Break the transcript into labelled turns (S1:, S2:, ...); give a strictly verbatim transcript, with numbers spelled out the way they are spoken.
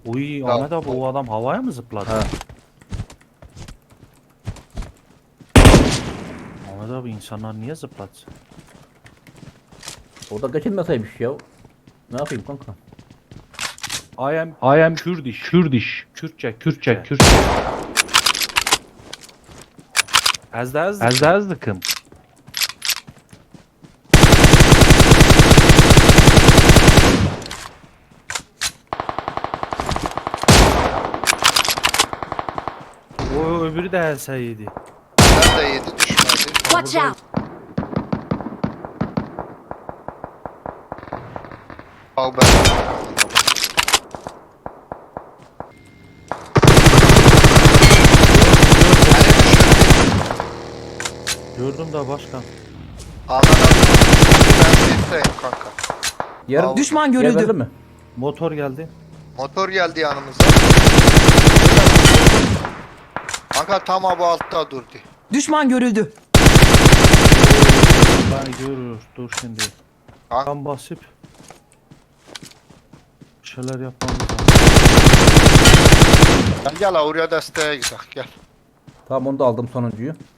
S1: Uy
S2: Ya,
S1: Ahmet abi o adam havaya mı zıpladı?
S2: Ha.
S1: Ahmet abi insanlar niye zıpladı?
S2: O da kaçınmasaymış ya. Ne yapayım kanka?
S1: I am
S3: I am
S1: Kürdiş.
S3: Kurdish.
S1: Kürtçe,
S3: Kürtçe,
S1: Kürtçe.
S3: Kürtçe.
S1: Ezde ezde.
S3: Ezde ezdikim.
S1: O öbürü de helseydi.
S4: Ben de yedi düşmedi.
S5: Watch out!
S4: Al ben.
S1: Gördüm de başkan.
S4: Anan ben safe'teyim kanka.
S2: Yarın
S4: Al.
S5: Düşman
S2: Geberdin
S5: görüldü.
S2: mi?
S1: Motor geldi.
S4: Motor geldi yanımıza. Kanka tam bu altta durdu.
S5: Düşman görüldü.
S1: Ben görür. Dur şimdi.
S4: Ha?
S1: Ben basıp bir şeyler yapmamız lazım.
S4: Gel gel oraya desteğe gidelim gel.
S2: Tamam onu da aldım sonuncuyu.